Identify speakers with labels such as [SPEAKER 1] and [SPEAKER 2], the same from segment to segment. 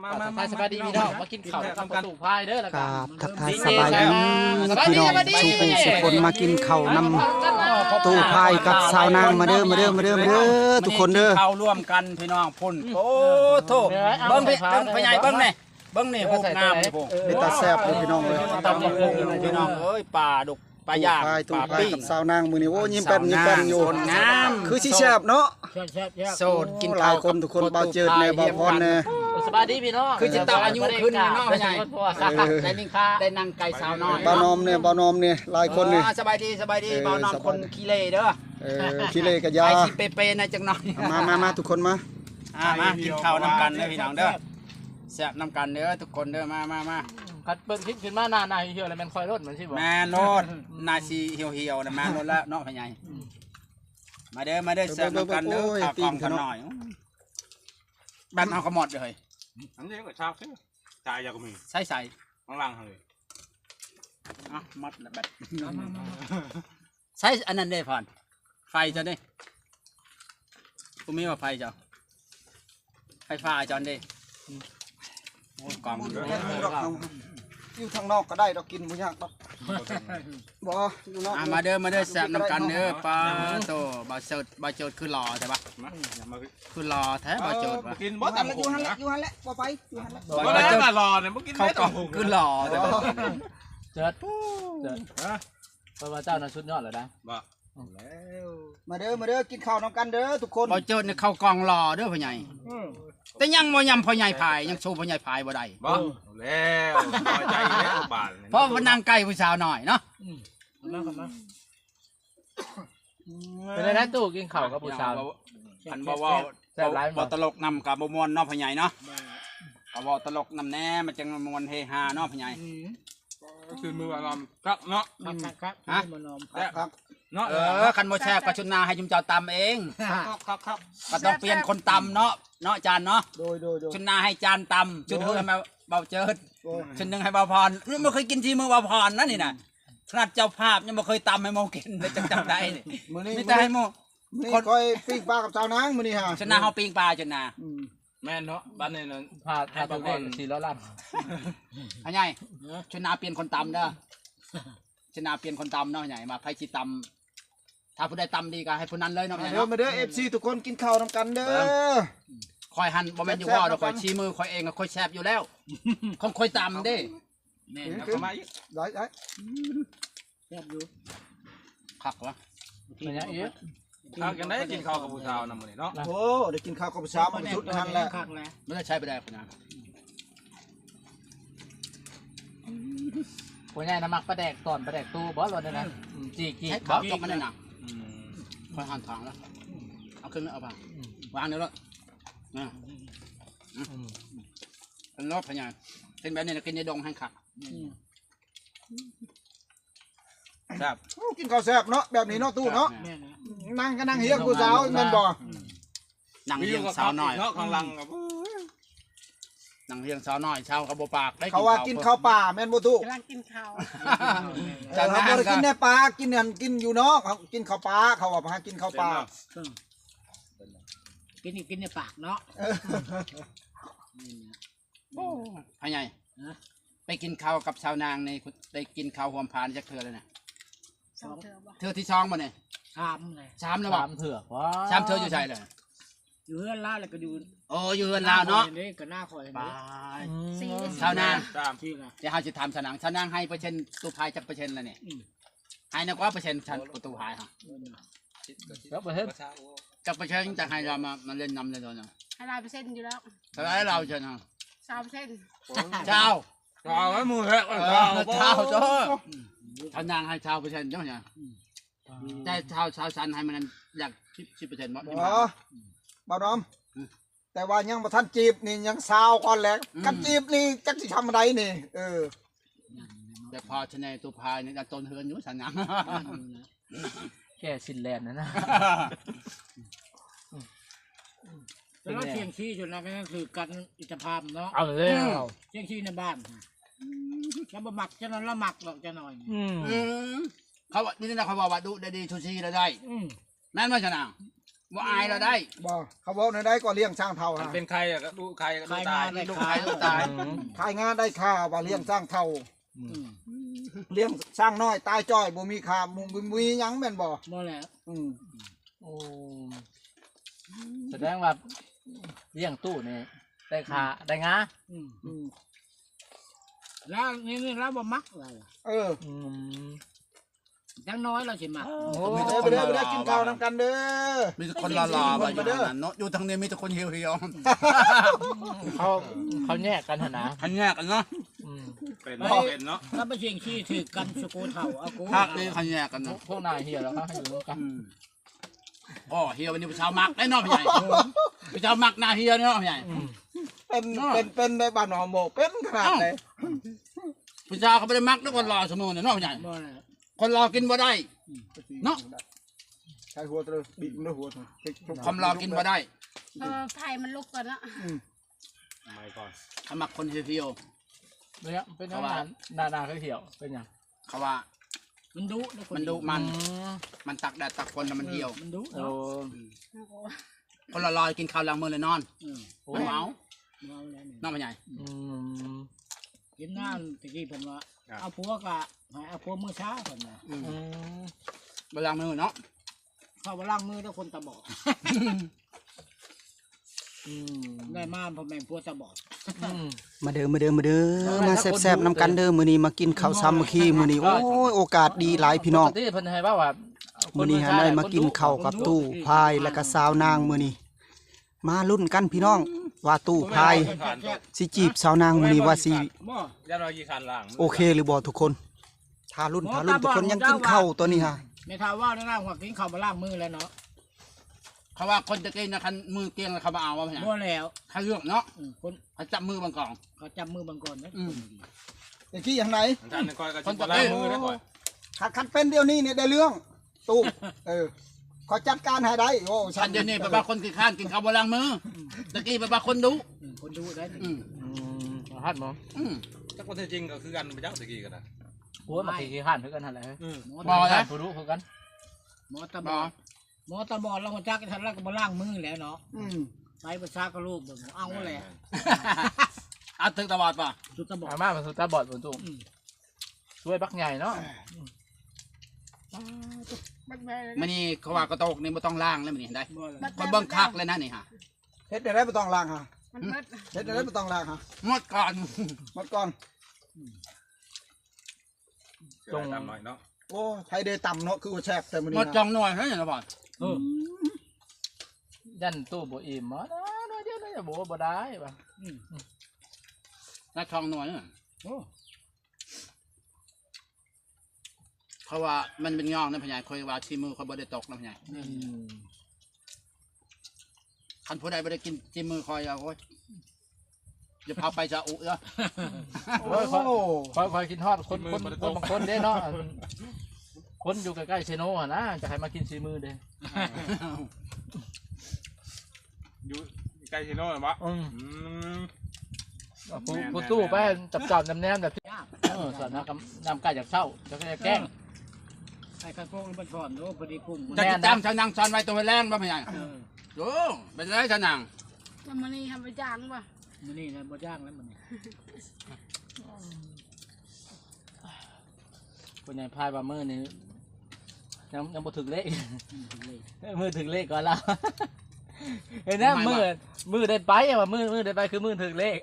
[SPEAKER 1] มาสบายดีพี่น้องมากินข้าวทำกระตูกพายเด้อแล้วกัน
[SPEAKER 2] ทักทายสบายดีพี่น้องสู่ผู้สุคนมากินข้าวนำตู้พายกับสาวนางมาเด้อทุกคนเด้อ
[SPEAKER 3] ข้าวร่วมกันพี่น้องพุ่นโอ้โถเบิ้งพี่ใหญ่เบิ้งนี่โหงามโห
[SPEAKER 2] เป็นตาแซ่บเลยพี่น้องเลย
[SPEAKER 3] ตำบักหุ่งพี่น้องเอ้ยปลาดุกปลาย่าง
[SPEAKER 2] ตู้
[SPEAKER 3] ปลา
[SPEAKER 2] พาย
[SPEAKER 3] ปิ้ง
[SPEAKER 2] กับสาวนางมื้อนี้โอ้ยิ้มแป้นอยู่
[SPEAKER 3] งาม
[SPEAKER 2] คือสิแซ่บเนาะ
[SPEAKER 3] โสดกิน
[SPEAKER 2] หลายคนทุกคนเบาเจิดแน่เบาพรแน่
[SPEAKER 1] สบายดีพี่น้อง
[SPEAKER 3] คือจิตตาอายุขึ้นเนาะพี่ใหญ่ได้นิ่งค่าได้นั่งไก่สาวน้อย
[SPEAKER 2] บ่าวนอมเนี่ยหลายคนนี่
[SPEAKER 3] สบายดีบ่าวนอมคนขี้เล่เด้อ
[SPEAKER 2] ขี้เล่กับยา
[SPEAKER 3] ไอชิเปๆนะจังหน่อย
[SPEAKER 2] มาทุกคนมา
[SPEAKER 3] มากินข้าวนำกันเด้อพี่น้องเด้อแซ่บนำกันเด้อทุกคนเด้อมา
[SPEAKER 1] คัดเบิ่งคลิปขึ้นมาหน้าเหี่ยวแล้วมันคอยรถเหมือนสิบ่
[SPEAKER 3] แม่โนดนาซีเหี่ยวๆนะแม่โนดแล้วเนาะพี่ใหญ่มาเด้อแซ่บนำกันเด้อข้าวกล่องกันหน่อยแบนเอากระหมดเลย
[SPEAKER 4] อันนี้ก็ชาวซื้อจ่ายยาก็มี
[SPEAKER 3] ใส่
[SPEAKER 4] ข้างล่างเลย
[SPEAKER 3] อ่ะมัดละแบตใส่อันนั้นได้ผ่านไฟจะได้กูมีว่าไฟจ้ะไฟฟ้าจอนได้โอ้กล่อง
[SPEAKER 2] อยู่ทางนอกก็ได้เรากินบ่ยากดอกบ่อยู่นอก
[SPEAKER 3] มาเด้อแซ่บนำกันเด้อปลาโตบาโจดคือหล่อใช่ปะ
[SPEAKER 4] มาอย่ามา
[SPEAKER 3] คือหล่อแท้บาโจด
[SPEAKER 4] กินบ่ตำ
[SPEAKER 2] อยู่หั่นแหละบ่ไปอยู่หั่นแหละ
[SPEAKER 4] บ่ได้มารอเนี่ยเมื่อกี้
[SPEAKER 3] เขากล่องคือหล่อใช่ปะ
[SPEAKER 1] เจิดเพราะว่าเจ้านั้นสุดยอดเลยนะ
[SPEAKER 4] บ่
[SPEAKER 2] มาเด้อกินข้าวนำกันเด้อทุกคน
[SPEAKER 3] บาโจดเนี่ยเข้ากล่องหล่อเด้อพ่อใหญ่แต่ยังบ่ยำพ่อใหญ่พายยังโชว์พ่อใหญ่พายบ่ได้
[SPEAKER 4] บ่แล้วพอใจแล้วบาท
[SPEAKER 3] เพราะว่านั่งใกล้ผู้สาวหน่อยเนาะ
[SPEAKER 1] เป็นไรนะตู้กินข้าวกับผู้สาว
[SPEAKER 3] อันบ่ตลกนำกับบ่มวนเนาะพ่อใหญ่เนาะก็บ่ตลกนำแน่มันจังมวนเฮฮาเนาะพ่อใหญ่
[SPEAKER 4] คือมืออารมณ์ครับเนาะ
[SPEAKER 3] ฮะ
[SPEAKER 2] ครับ
[SPEAKER 4] เนาะ
[SPEAKER 3] คันบ่แซ่บก็ชุนนาให้จุมเจ้าตำเอง
[SPEAKER 4] ครับ
[SPEAKER 3] ก็ต้องเปลี่ยนคนตำเนาะจานเนาะ
[SPEAKER 2] โดย
[SPEAKER 3] ชุนนาให้จานตำชุดเฮือให้มาเบาเจิดชุดหนึงให้เบาพรนี่บ่เคยกินที่มือเบาพรนะนี่น่ะขนาดเจ้าภาพยังบ่เคยตำให้โมกินเลยจังจำได้นี่
[SPEAKER 2] มื้อนี้
[SPEAKER 3] มีแต่ให้โม
[SPEAKER 2] นี่ค่อยปิ้งปลากับสาวนางมื้อนี้ฮะ
[SPEAKER 3] ชุนนาเฮาปิ้งปลาชุนนา
[SPEAKER 4] แม่เนาะบ้านนี้นั่น
[SPEAKER 1] พาตัวเอง400 ล้าน
[SPEAKER 3] อันใหญ่ชุนนาเปลี่ยนคนตำเด้อชุนนาเปลี่ยนคนตำเนาะใหญ่มาไผสิตำถ้าผู้ใดตำดีก็ให้ผู้นั้นเลยเนาะใหญ่เนาะ
[SPEAKER 2] มาเด้อ FC ทุกคนกินข้าวนำกันเด้อ
[SPEAKER 3] คอยหันบ่แม่นอยู่ว่าดอกคอยชี้มือคอยเองก็คอยแซ่บอยู่แล้วของคอยตำเด้
[SPEAKER 4] แม่เข้ามาอีก
[SPEAKER 2] ได้
[SPEAKER 3] คักวะ
[SPEAKER 1] เป็นยังอีก
[SPEAKER 4] ข้าวกันได้กินข้าวกับผู้สาวนำมื้อนี้เนาะ
[SPEAKER 2] โอ้ได้กินข้าวกับสาวมันสุดนั่นแหละ
[SPEAKER 3] ไม่ได้ใช้ไปได้คนนะ
[SPEAKER 1] ผู้ใหญ่น้ำมักปลาแดกตอนปลาแดกตู้บ่รถเลยนะจีกี
[SPEAKER 3] ใช้
[SPEAKER 1] บ
[SPEAKER 3] เขาจบมันได้หนักคอยหันทางแล้วเอาขึ้นเอาไปวางเดี๋ยวแล้วนะเป็นรถพญานเป็นแบบนี้นะกินในดงให้ขักครับ
[SPEAKER 2] กินข้าวแซ่บเนาะแบบนี้เนาะตู้เนาะนั่งก็นั่งเฮียงผู้สาวแม่นบ่
[SPEAKER 3] นั่งเลี้ยงสาวน้อย
[SPEAKER 4] เนาะข้างล่างกับ
[SPEAKER 3] นั่งเลี้ยงสาวน้อยชาวกระโบปากได้
[SPEAKER 2] เขาว่ากินข้าวป่าแม่นบ่ตู้
[SPEAKER 5] กำลังกินข้าว
[SPEAKER 3] จาน
[SPEAKER 2] เขา
[SPEAKER 3] นั้
[SPEAKER 2] บ่
[SPEAKER 3] น
[SPEAKER 2] ได้กินในป่ากินนั่นกินอยู่เนาะเขากินข้าวป่าเขาว่าหากินข้าวป่า
[SPEAKER 5] กินในปากเนาะ
[SPEAKER 3] พญานไปกินข้าวกับชาวนางในได้กินข้าวหอมพานจากเธอเลยนะ
[SPEAKER 5] สองเธอบ่
[SPEAKER 3] เธอที่ช่องมาเนี่ย
[SPEAKER 5] ถามเลย
[SPEAKER 3] ชามแล้วบอ
[SPEAKER 1] 3 เถื่อว้า
[SPEAKER 3] ชามเธออยู่ใช่เลย
[SPEAKER 5] อยู่เฮือนล่าแล้วก็ดู
[SPEAKER 3] โอ้อยู่เฮือนลาวเนาะ
[SPEAKER 5] นี่ก็หน้าคอย
[SPEAKER 3] บา
[SPEAKER 5] นี่
[SPEAKER 3] ยชาวนาง
[SPEAKER 4] ตาม
[SPEAKER 5] ที่ละ
[SPEAKER 3] จะหาจะทำชาวนางชาวนางให้เปอร์เซ็นต์ตู้พายจากเปอร์เซ็นต์แล้วเนี่ยให้นักว่าเปอร์เซ็นต์ชันประตูพายฮะ
[SPEAKER 1] แล้วบ่เฮ็ด
[SPEAKER 3] จากเปอร์เซ็นต์จะให้เรามาเล่นนำเลยเนาะ
[SPEAKER 5] 100%อยู่แล้ว
[SPEAKER 3] แต่ให้เราเชิญฮะ
[SPEAKER 5] 3%
[SPEAKER 3] เจ้า
[SPEAKER 4] เอาไว้มือแฮะ
[SPEAKER 3] เจ้าเจ้าชาวนางให้ชาวเปอร์เซ็นต์เจ้าเนี่ยแต่ชาวชันให้มันอยาก10%บ่
[SPEAKER 2] บ่บ่น้อมแต่ว่ายังบ่ทันจีบนี่ยังสาวก่อนแหละกันจีบนี่จักสิทำอะไรนี่
[SPEAKER 3] แต่พอชนะตู้พายเนี่ยต้นเฮือนอยู่ชาวนาง
[SPEAKER 1] แก่สินแลนด์นะ
[SPEAKER 5] แล้วเชียงชี้จนนั้นก็คือกันอิสภาพเนาะ
[SPEAKER 1] เอาเลย
[SPEAKER 5] เชียงชี้ในบ้านแล้วบ่มักจะนั้นละมักหรอกจะหน่อย
[SPEAKER 3] เขาว่านี่นะเขาบอกว่าดูได้ดีชูชีได้ แม่นว่าชนะว่าอายเราได้
[SPEAKER 2] บ่เขาบอกในได้ก็เลี้ยงสร้างเท่า
[SPEAKER 4] มัน
[SPEAKER 2] ฮะ
[SPEAKER 4] เป็นใครอะก็ดูใครก็ดู
[SPEAKER 5] ขาย
[SPEAKER 4] ตาง
[SPEAKER 5] าย นได้
[SPEAKER 3] ลูก
[SPEAKER 5] ขา
[SPEAKER 3] ชาย
[SPEAKER 5] ย
[SPEAKER 3] ลูกตาย
[SPEAKER 2] ขายงานได้ค่าว่าเลี้ยงสร้างเท่า
[SPEAKER 5] อืม
[SPEAKER 2] เลี้ยงสร้างน้อยตายจ้อยบ่มีค่าบ่มีหยังแม่นบ่
[SPEAKER 5] บ่แล้ว
[SPEAKER 2] อืม
[SPEAKER 1] โอ้แสดงว่าเลี้ยงตู้นี่ได้ขาได้งา
[SPEAKER 5] อืม
[SPEAKER 2] อืม
[SPEAKER 5] แล้วนี่เราบ่มักอะไรล่ะ
[SPEAKER 2] เออ
[SPEAKER 1] อืม
[SPEAKER 5] จังน้อยเราสิมัก
[SPEAKER 1] โอ้
[SPEAKER 2] ไปเด้อกินข้าวนำกันเด้อ
[SPEAKER 3] มีแต่คนรอๆไปอยู่นั่นเนาะอยู่ทางนี้มีแต่คนเหี่ยว
[SPEAKER 1] เขาแยกกันหนนะ
[SPEAKER 3] ๆทันแยกกันเนาะ
[SPEAKER 1] อืม
[SPEAKER 4] เป็นเป็นเนาะ
[SPEAKER 5] ถ้าไปเชียงขี้ถือกันสกูเฒ่าเอากู
[SPEAKER 3] ภาคนี้ทันแยกกันเนาะ
[SPEAKER 1] พวกนายเฮียแล้วเขาให้อยู่ร่วมกัน
[SPEAKER 3] อ๋อเหี่ยววันนี้ผู้ชาวมักได้เนาะพี่ใหญ่ผู้ชาวมักหน้าเหี่ยวเนาะพี่ใหญ่
[SPEAKER 2] เป็นในบ้านหอมโมเป็นขนาดไหน
[SPEAKER 3] ผู้ชาวเขาไม่ได้มักด้วยคนรอเสมอเนี่ยเนาะพี่ใหญ่
[SPEAKER 5] บ่แล้ว
[SPEAKER 3] คนรอกินบ่ได้ เนาะ
[SPEAKER 2] ใช้หัวเตอบีบมันด้วยหัว
[SPEAKER 3] ความรอกินบ่ได้
[SPEAKER 6] ไผ่มันลุกก่อนละ
[SPEAKER 4] ไม่ก่อน
[SPEAKER 3] เขามักคนเหี่ยว
[SPEAKER 1] เนี่ยเป็นอาหารนาเขาเหี่ยวเป็นยัง
[SPEAKER 3] ๆเขาว่า
[SPEAKER 5] มันดุนะ
[SPEAKER 3] มันดุมันตักแดดตักฝนแล้วมันเหี่ยว
[SPEAKER 5] มันดุ
[SPEAKER 1] โอ้
[SPEAKER 5] เนาะ
[SPEAKER 3] คนละลอยกินข้าวล้างมือเลยนอน
[SPEAKER 5] อืม
[SPEAKER 3] มันเมา
[SPEAKER 5] เมาแล้วนี่
[SPEAKER 3] น้องพี่ใหญ่
[SPEAKER 1] อืม
[SPEAKER 5] กินน้ำตะกี้เพิ่นว่าเอาผัวกะให้เอาผัวมื้อเช้าเพิ่นว่า
[SPEAKER 1] อืม
[SPEAKER 3] เวลามือเนาะ
[SPEAKER 5] เข้ามาล้างมือแล้วคนตาบอด
[SPEAKER 1] อืม
[SPEAKER 5] ได้มาพ่อแม่ผัวตาบอด
[SPEAKER 1] อืม
[SPEAKER 2] มาเด้อมาแซ่บๆนำกันเด้อมื้อนี้มากินข้าวซ้ำขี้มื้อนี้โอ้ยโอกาสดีหลายพี่น้อง
[SPEAKER 1] ปกติเพิ่นให้ว่า
[SPEAKER 2] มื้อนี้หาได้มากินข้าวกับตู้พายแล้วก็สาวนางมื้อนี้มาลุ้นกันพี่น้อง ว่าตู้พายสิจีบสาวนางมื้อนี้ว่าสิ
[SPEAKER 5] บ่
[SPEAKER 4] ย่าเรากี่คันล่าง
[SPEAKER 2] โอเคหรือบ่ทุกคนถ้าลุ้นทุกคนยังกินข้าวตัวนี้ฮะ
[SPEAKER 5] ไม่ท้าว่าได้ร่างว่ากินข้าวมาล้างมือแล้วเนาะ
[SPEAKER 3] เขาว่าคนจะกินนะคันมือเกียงแล้วเขามาเอาว่าพี่ใหญ่
[SPEAKER 5] บ่แล้ว
[SPEAKER 3] ถ้าเลือกเนาะ
[SPEAKER 5] คน
[SPEAKER 3] เขาจับมือบางกล่อง
[SPEAKER 5] เขาจับมือบางก่อนนะ
[SPEAKER 2] ตะกี้อย่างไหน
[SPEAKER 4] ท่านก้อยก็จะล้างมือได้ก่อน
[SPEAKER 2] คัดเป็นเดี๋ยวนี้เนี่ยได้เรื่องตู้ขอจัดการให้ได้โอ้
[SPEAKER 3] ฉันเดี๋ยวนี้ไปบ้าคนกินข้านกินข้าวบนล้างมือตะกี้ไปบ้าคนดุ
[SPEAKER 5] คนดูได้
[SPEAKER 3] อืม
[SPEAKER 1] อืมฮัดมั้ง
[SPEAKER 3] อืม
[SPEAKER 4] ถ้าคนจริงก็คือกันไปยักษ์ตะกี้กันนะ
[SPEAKER 1] โอ้ยมาขี่ข้านเพื่อกันหั่นแหละ
[SPEAKER 3] บอก
[SPEAKER 1] นะ
[SPEAKER 3] นะ
[SPEAKER 1] ผู้รู้เพื่อกัน
[SPEAKER 5] หมอตาบอดหมอตาบอดเราคนจักทันแล้วก็มาล้างมือแล้วเนาะไปประชากระลูกแบบเอาแหละ
[SPEAKER 3] เอาถึงตะบอดป่ะ
[SPEAKER 5] สุดตาบอด
[SPEAKER 1] อาม่าเป็นสุดตาบอดบนตู้ช่วยบักใหญ่เนาะ
[SPEAKER 6] บักแบเลย
[SPEAKER 3] มันนี่เขาว่ากระโตกนี่ไม่ต้องล้างแล้วมันนี่ได้
[SPEAKER 5] บ่เลย
[SPEAKER 3] มันเบิ่งคักเลยนะนี่ฮะ
[SPEAKER 2] เฮ็ดได้บ่ต้องล้างฮะ
[SPEAKER 6] มันเบิด
[SPEAKER 2] เฮ็ดได้บ่ต้องล้างฮะ
[SPEAKER 3] หมดก่อน
[SPEAKER 2] หมดก่อน
[SPEAKER 4] จงทำหน่อยเนาะ
[SPEAKER 2] โอ้ไทยได้ต่ำเนาะคือว่าแซ่บแต่มื้อ
[SPEAKER 3] หม
[SPEAKER 2] นี้
[SPEAKER 3] ดจองหน่อยเฮ้ยตะบอด
[SPEAKER 1] ยันตู้บ่อิ่มมั้งน้อยเดียวน้อยบ่บ่ได้ป่ะ
[SPEAKER 3] นักทองหน่อยเนี่ย
[SPEAKER 5] โอ้
[SPEAKER 3] เขาว่ามันเป็นงองนะพี่ใหญ่คอยว่าชีมือเขาบ่ได้ตกนะพี่ใหญ่คันผู้ใดบ่ได้กินชีมือคอยเอาโอ้ยจะพาไปจะอุเนาะ
[SPEAKER 1] โอ้ยคอยกินทอดคนบางคนเด้เนาะคนอยู่ใกล้ๆเชโน่นะจะให้มากินซีมือเด้
[SPEAKER 4] อยู่ใกล้ชิโน่หรอวะ
[SPEAKER 1] ผู้ตู้ไปจับแนมแบบสอนน้ำกายจากเศร้าจะแกล้ง
[SPEAKER 5] ใส่กระโปรงมันสอนโอ้พอดีปุ่ม
[SPEAKER 3] จะติดตามชาวนางซอนไว้ตัวแรงบ่พี่ใหญ่โอ้เป็นไรชาวนาง
[SPEAKER 6] แล้วมันนี่ทำไปจ้างป่ะ
[SPEAKER 5] มันนี่นะบ่จ้างแล้วมัน
[SPEAKER 1] คนใหญ่พายว่ามือนี่ยังบ่ถึงเลขมือถึงเลขก่อนแล้วเห็นนะมือได้ไปว่ามือได้ไปคือมือถึงเลข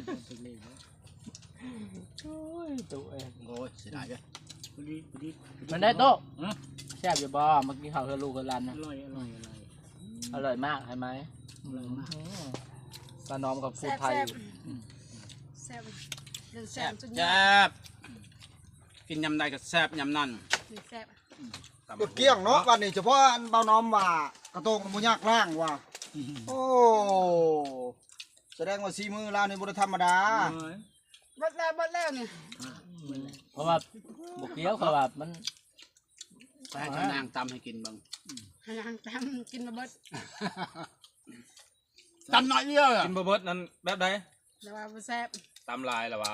[SPEAKER 1] โอ้ยตู้เอง
[SPEAKER 3] โอ้ยเสียดายเลย
[SPEAKER 5] พอดี
[SPEAKER 1] มันได้โต๊ะแซ่บอยู่บ่เมื่อกี้เขาคือลูกกับรันนะ
[SPEAKER 5] อร่อย
[SPEAKER 1] อร่อยมากใช่ไหมปลาน้อมกับฟูไทย
[SPEAKER 6] แซ่บเดินแซ่
[SPEAKER 3] แซ่
[SPEAKER 6] บบ จน
[SPEAKER 3] แซ่บกินยำใดก็แซ่บยำนั่น
[SPEAKER 6] แซ่บ
[SPEAKER 2] กดเกี้ยงเนาะวันนี้เฉพาะอันเบาน้อมว่ากระโตงบ่ยากล้างว่ะโอ้แสดงว่าสีมือเรานี่บ่ได้ธรรมดา
[SPEAKER 6] เบิดแล้วนี่
[SPEAKER 1] เพราะว่าบุกเกี้ยวเขาแบบมัน
[SPEAKER 3] ไปให้ชาวนางตำให้กินบ้าง
[SPEAKER 6] ให้นางตำกินมาเบิด
[SPEAKER 3] ตำน้อยเดียว
[SPEAKER 4] กินเบิร์ดนั้นแบบใด
[SPEAKER 6] แต่ว่าบ่แซ่บ
[SPEAKER 4] ตำลายหรอวะ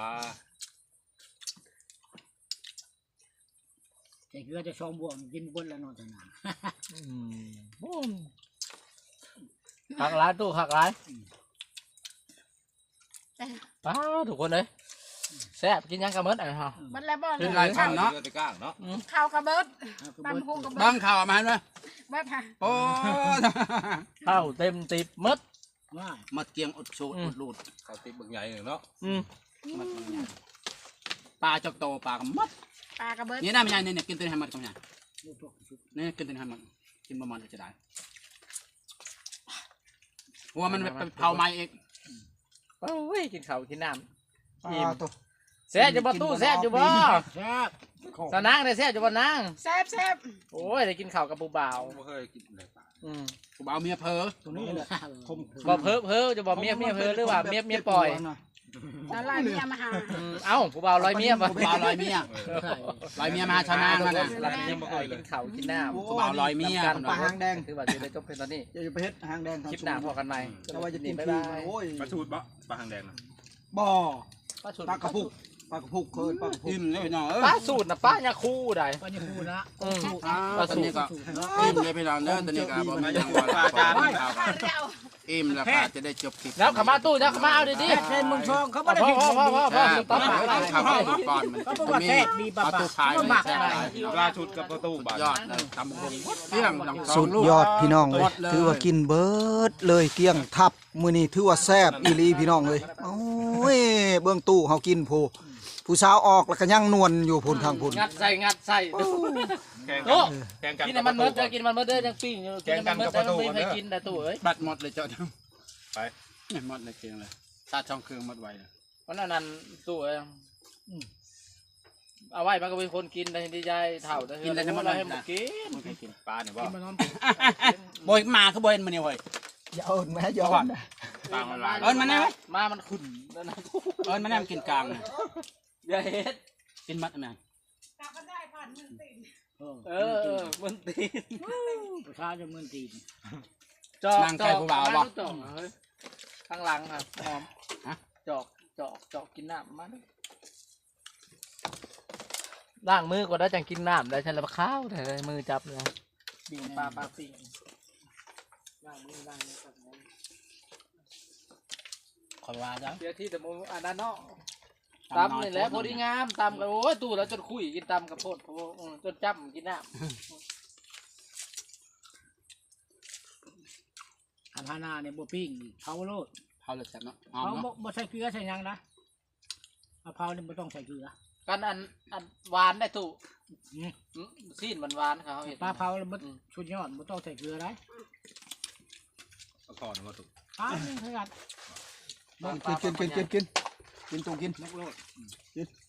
[SPEAKER 5] แต่คือจะช่องบวกกินบนแล้วนอนแต่นาน
[SPEAKER 1] บุ้มหักร้ายตู้หักร้ายป้าทุกคนเลยแซ่บกินยังกระเมิดอะไรฮะ
[SPEAKER 6] เบิดแล้วบ่
[SPEAKER 3] เป็นลายคำเนาะ
[SPEAKER 4] ไปก้างเนาะ
[SPEAKER 6] ข้าวกระเบิดตำหูกระเบิ
[SPEAKER 3] บ้า
[SPEAKER 6] ด
[SPEAKER 3] งข่าวมาเห็นไหม
[SPEAKER 6] เบิดค่ะ
[SPEAKER 3] โอ้
[SPEAKER 1] ข้าวเต็มติบมด
[SPEAKER 5] ว่า
[SPEAKER 3] มาเกียงอดสูดอดลูด
[SPEAKER 4] เขาติดบึกใหญ่หนึ่งเนาะ
[SPEAKER 3] ปลาจกโตปลากระมัด
[SPEAKER 6] ปลากระเบิด
[SPEAKER 3] นี่น่าไม่ใช่เนี่ยกินตัวนี้ให้มันก็ไม่ใช่นี่กินตัวนี้ให้มันกินประมาณจะได้หัวมันไปเผาไม้เอง
[SPEAKER 1] โอ้ยกินข้าวกินน้ำ
[SPEAKER 2] อ่า
[SPEAKER 1] อิ่ม
[SPEAKER 2] ตัว
[SPEAKER 1] แซ่บจะบ่ตู้แซ่บจะบ่
[SPEAKER 5] แซ่บ
[SPEAKER 1] สนางได้แซ่บจะบ่นาง
[SPEAKER 6] แซ่บแซ่บ
[SPEAKER 1] โอ้ยได้กินข้าวกับปูบ่าว
[SPEAKER 4] ไม่เคยกินเลยปลา
[SPEAKER 3] กูเอาเมียเพอ
[SPEAKER 5] ตัวนี้แหละ
[SPEAKER 1] บ่เพ้อจะบ่เมียเพ้อหรือว่าเมียปล่อย
[SPEAKER 6] แล้วไล่เมียมาหา
[SPEAKER 1] เอ้าปูบ่าวลอยเมียบ่
[SPEAKER 3] กูเอาลอยเมียลอยเมียมาชาวนามานะ
[SPEAKER 1] เรายังบ่เคยกินข้าวกินน้ำ
[SPEAKER 3] กูเอาลอยเมีย
[SPEAKER 2] ปลาหางแดง
[SPEAKER 1] คือว่าจะได้จบเพียงตอนนี้
[SPEAKER 2] อย่าไปเฮ็ดหางแดง
[SPEAKER 1] คลิปหน้าพอกันใหม่
[SPEAKER 2] แต่ว่าจะกิน
[SPEAKER 1] บ๊าย
[SPEAKER 2] คื
[SPEAKER 1] บาน ย
[SPEAKER 2] โอ้ย
[SPEAKER 4] ปลาชูดปะปลาหางแดงนะ
[SPEAKER 2] บ่อ
[SPEAKER 1] ป้าสูตร
[SPEAKER 2] ปลากระพุกปลากระพุกเคยปลากระพุก
[SPEAKER 3] อิ่มเลยพี่น้องเอ้ย
[SPEAKER 1] ป้าสูตรนะป้ายาคูได้
[SPEAKER 5] ก็ยังพูดนะ
[SPEAKER 3] ตอนนี้ก็อิ่มเลยพี่น้องเด้อตอนนี้ก็บอกไม่ยังว่า
[SPEAKER 4] ปลาจานข้าว
[SPEAKER 6] ข้าวแล้ว
[SPEAKER 3] อิ่มแล้วก็จะได้จบคลิป
[SPEAKER 1] แล้วขามาตู้แล้วขามาเอาดี
[SPEAKER 5] เช่นมึงชองเขา
[SPEAKER 1] ๆ
[SPEAKER 5] ไม่ได้
[SPEAKER 1] พ่อ
[SPEAKER 5] ผิด
[SPEAKER 1] พ่อพ่อพ่อ
[SPEAKER 3] ตอน
[SPEAKER 1] พ่อ
[SPEAKER 3] นี้ข้าวก่อนมัน
[SPEAKER 5] เขาบอกว่าแซ่บมีปลา
[SPEAKER 3] เอา
[SPEAKER 5] ปลา
[SPEAKER 3] ตู้ขาย
[SPEAKER 5] เขา
[SPEAKER 3] มัน
[SPEAKER 5] หมัก
[SPEAKER 3] แซ่บ
[SPEAKER 5] อะไร
[SPEAKER 4] ปลาชุดกับประตูบาท
[SPEAKER 3] ยอดเลยทำบุญเที่ยงดัง
[SPEAKER 2] สุดยอดพี่น้องเลยถือว่ากินเบิดเลยเกลี้ยงทับมื้อนี้ถือว่าแซ่บอีหลีพี่น้องเลยโอ้ยเบื้องตู้เฮากินผู้สาวออกแล้วก็ยังนวลอยู่พุ่นทางพุ่น
[SPEAKER 1] งัดใส่
[SPEAKER 4] แข่ง
[SPEAKER 1] โอ้
[SPEAKER 4] แข่งกัน
[SPEAKER 1] กินมันเมิดกินมันเมิดเด้อยังปิ้งอยู่กินมันเมิดแต่ไม่เคยกินแต่ตู้เอ้ย
[SPEAKER 3] บัดหมดเลยเจ้า
[SPEAKER 4] ไป
[SPEAKER 3] หมดเลยเกียงเลยตาช่องเครื่องหมดไวเลย
[SPEAKER 1] วันนั้นตู้เอ้ยเอาไว้มันก็เป็นคนกินได้ดีใจเท่าแต่เฮือเราให้มันกิน
[SPEAKER 3] ไม่เคยกิน
[SPEAKER 4] ปลาเนี่ยว่า
[SPEAKER 5] กินมานอน
[SPEAKER 3] บอยมาคือบ่เห็นมันนี่เว้ย
[SPEAKER 2] อย่าเอิ้นแม่อย่า
[SPEAKER 3] ก่อน
[SPEAKER 4] ปลามันลาย
[SPEAKER 3] เอิ้นมันได้ไหม
[SPEAKER 1] มามันขุ่นนั่นนะ
[SPEAKER 3] เอิ้นมันได้มันกินกลาง
[SPEAKER 1] อย่าเฮ็ด
[SPEAKER 3] กินมัดไหม
[SPEAKER 6] กลับมาได้ผ่านมือติด
[SPEAKER 1] มันตีน
[SPEAKER 5] ประชาชนเมืองจีน
[SPEAKER 1] จอกข้างหลังครับหอมจอกกินน้ำมาล้างมือก่อนแล้วจังกินน้ำได้ฉันละข้าวแต่มือจับเลยบิ่งปลาปิ่งล้างมือครับ
[SPEAKER 3] ขอว่าจ้ะ
[SPEAKER 1] เดี๋ยวที่แต่มืออันนั้นเนาะตำนี่แหละพอดีงามตำกันโอ้ยตู้แล้วจนคุยกินตำกับโพดจนจับกินน้
[SPEAKER 5] อาหารนาเนี่ยบ่ปิ้งเผาโลด
[SPEAKER 3] เผาเลยแซ่บเนาะหอม
[SPEAKER 5] เผา
[SPEAKER 3] เนาะ
[SPEAKER 5] บ่ใส่เกลือใส่หยังนะเอาเผาเนี่ยบ่ต้องใส่เกลือ
[SPEAKER 1] ำกันอันหวานได้ตู้ซีนหวานเขาเห็น
[SPEAKER 5] ปลาเผาแล้วบ่ชุดยอดบ่ต้องใส่เกลือได้
[SPEAKER 4] เอาก่อนมาถูก
[SPEAKER 5] ปลานี่ขนาด
[SPEAKER 2] กินตู้กิน
[SPEAKER 5] นกโลด
[SPEAKER 2] กิน